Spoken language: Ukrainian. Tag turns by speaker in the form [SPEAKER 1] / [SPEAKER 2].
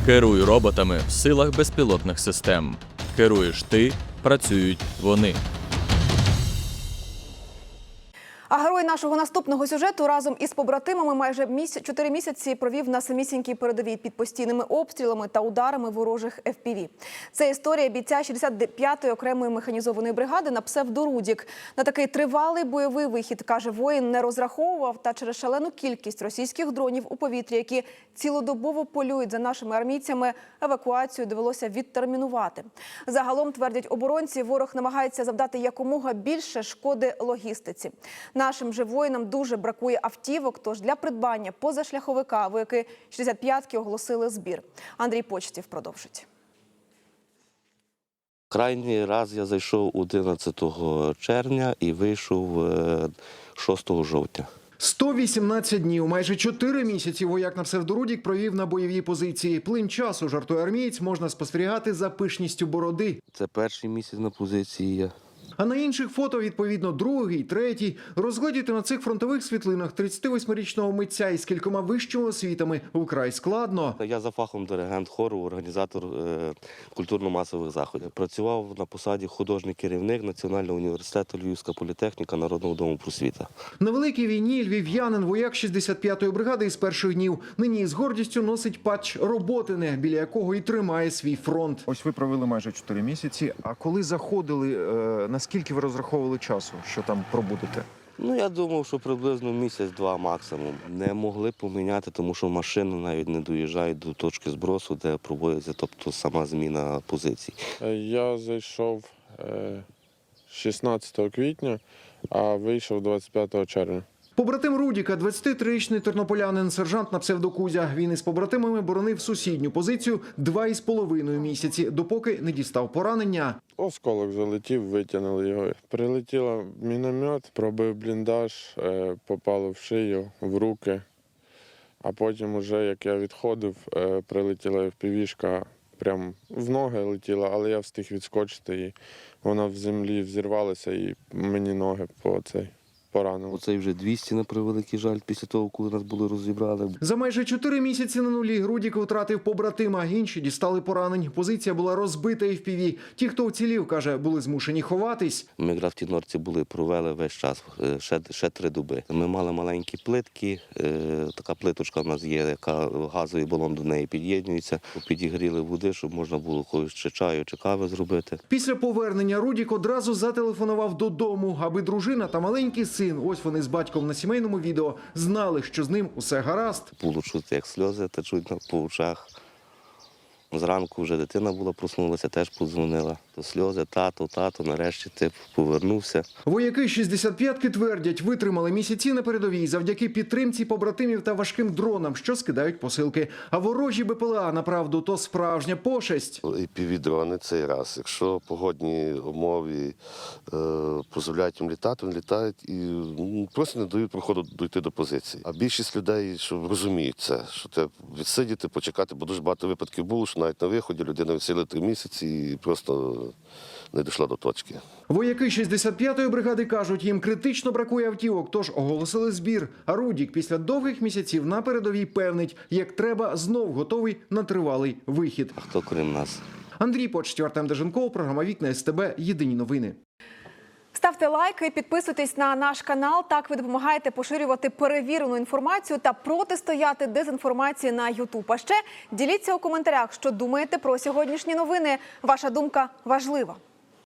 [SPEAKER 1] Керуй роботами в силах безпілотних систем. Керуєш ти, працюють вони.
[SPEAKER 2] А герой нашого наступного сюжету разом із побратимами майже 4 місяці провів на самісінькій передовій під постійними обстрілами та ударами ворожих FPV. Це історія бійця 65-ї окремої механізованої бригади на псевдо Рудік. На такий тривалий бойовий вихід, каже воїн, не розраховував, та через шалену кількість російських дронів у повітрі, які цілодобово полюють за нашими армійцями, евакуацію довелося відтермінувати. Загалом, твердять оборонці, ворог намагається завдати якомога більше шкоди логістиці. Нашим же воїнам дуже бракує автівок, тож для придбання позашляховика вояки 65-ки оголосили збір. Андрій Почтів продовжить.
[SPEAKER 3] Крайній раз я зайшов 11 червня і вийшов 6 жовтня.
[SPEAKER 4] 118 днів, майже 4 місяці вояк на псевдорудік провів на бойовій позиції. Плин часу, жартує армієць, можна спостерігати за пишністю бороди.
[SPEAKER 3] Це перший місяць на позиції я.
[SPEAKER 4] А на інших фото, відповідно, другий, третій. Розглядіти на цих фронтових світлинах 38-річного митця із кількома вищими освітами вкрай складно.
[SPEAKER 3] Я за фахом диригент хору, організатор культурно-масових заходів. Працював на посаді художній керівник Національного університету Львівська політехніка Народного дому просвіта.
[SPEAKER 4] На великій війні львів'янин, вояк 65-ї бригади із перших днів, нині з гордістю носить патч Роботине, біля якого і тримає свій фронт.
[SPEAKER 5] Ось ви провели майже 4 місяці. А коли заходили, наскільки ви розраховували часу, що там пробудете?
[SPEAKER 3] Я думав, що приблизно місяць-два максимум. Не могли поміняти, тому що машини навіть не доїжджають до точки збросу, де проводиться, тобто сама зміна позицій.
[SPEAKER 6] Я зайшов 16 квітня, а вийшов 25 червня.
[SPEAKER 4] Побратим Рудіка, 23-річний тернополянин, сержант на псевдо Кузя. Він із побратимами боронив сусідню позицію 2,5 місяці, допоки не дістав поранення.
[SPEAKER 6] Осколок залетів, витягнули його. Прилетіло міномет, пробив бліндаж, попало в шию, в руки. А потім, уже, як я відходив, прилетіла FPV-шка, прямо в ноги летіла, але я встиг відскочити, і вона в землі взірвалася, і мені ноги поранило.
[SPEAKER 3] Оцей вже 200, на превеликий жаль, після того, коли нас були розібрали.
[SPEAKER 4] За майже 4 місяці на нулі Рудік втратив побратима, інші дістали поранень. Позиція була розбита FPV. Ті, хто вцілів, каже, були змушені ховатись.
[SPEAKER 3] Ми якраз в тій норці провели весь час, ще 3 доби. Ми мали маленькі плитки, така плиточка в нас є, яка газовий балон до неї під'єднується. Підігріли води, щоб можна було когось чи чаю, чи кави зробити. Після
[SPEAKER 4] повернення Рудік одразу зателефонував додому, аби дружина та маленький син, ось вони з батьком на сімейному відео, знали, що з ним усе гаразд.
[SPEAKER 3] Було чути, як сльози течуть по очах. Зранку вже дитина проснулася, теж подзвонила. То сльози, тато, нарешті ти повернувся.
[SPEAKER 4] Вояки 65-ки твердять, витримали місяці на передовій завдяки підтримці побратимів та важким дронам, що скидають посилки. А ворожі БПЛА, направду, то справжня пошесть.
[SPEAKER 7] FPV-дрони цей раз. Якщо погодні умови дозволяють їм літати, вони літають і просто не дають проходу дійти до позиції. А більшість людей, що розуміють це, що треба відсидіти, почекати, бо дуже багато випадків було, що навіть на виході людина відсиділа 3 місяці і просто не дійшла до точки.
[SPEAKER 4] Вояки 65-ї бригади кажуть, їм критично бракує автівок, тож оголосили збір. А Рудік після довгих місяців на передовій певнить, як треба, знов готовий на тривалий вихід.
[SPEAKER 3] А хто крім нас?
[SPEAKER 4] Андрій Почтів, Артем Деженков, програма «Вікна СТБ», єдині новини.
[SPEAKER 2] Ставте лайки, підписуйтесь на наш канал. Так ви допомагаєте поширювати перевірену інформацію та протистояти дезінформації на YouTube. А ще діліться у коментарях, що думаєте про сьогоднішні новини. Ваша думка важлива.